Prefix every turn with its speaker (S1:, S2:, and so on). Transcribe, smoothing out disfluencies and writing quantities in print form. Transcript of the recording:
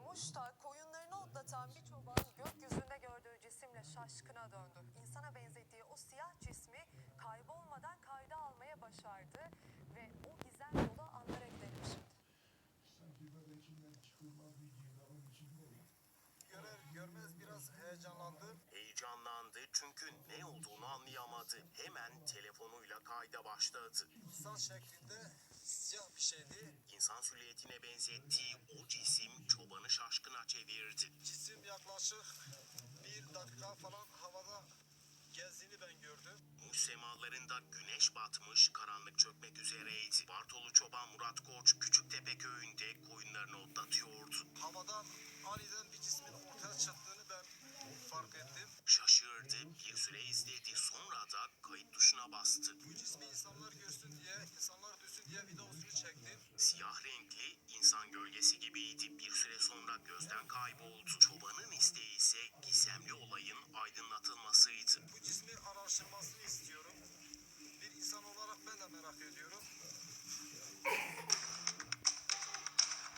S1: Muş'ta koyunlarını otlatan bir çoban gökyüzünde gördüğü cisimle şaşkına döndü. İnsana benzettiği o siyah cismi kaybolmadan kayda almaya başardı ve o gizem dolu anlara gidelim şimdi.
S2: Sanki böyle içinden çıkılmaz bir girdabın içindeyim.
S3: Görer görmez biraz heyecanlandı.
S4: Heyecanlandı çünkü ne olduğunu anlayamadı. Hemen telefonuyla kayda başladı.
S3: İnsan şeklinde siyah bir şeydi.
S4: İnsan silüetine benzettiği o cisim çobanı şaşkına çevirdi.
S3: Cisim yaklaşık 1 dakika falan havada gezdiğini ben gördüm.
S4: Muş semalarında güneş batmış, karanlık çökmek üzereydi. Bartolu çoban Murat Koç Küçüktepe köyünde koyunlarını otlatıyordu.
S3: Havadan aniden bir cismin ortaya çıktığını ben fark ettim.
S4: Şaşırdı, bir süre izledi, sonra da kayıt tuşuna bastı.
S3: Bu cismi insanlar görsün diye, insanlar duysun diye videosunu çektim.
S4: Siyah renkli, insan gölgesi gibiydi. Bir süre sonra gözden kayboldu. Çobanın istediği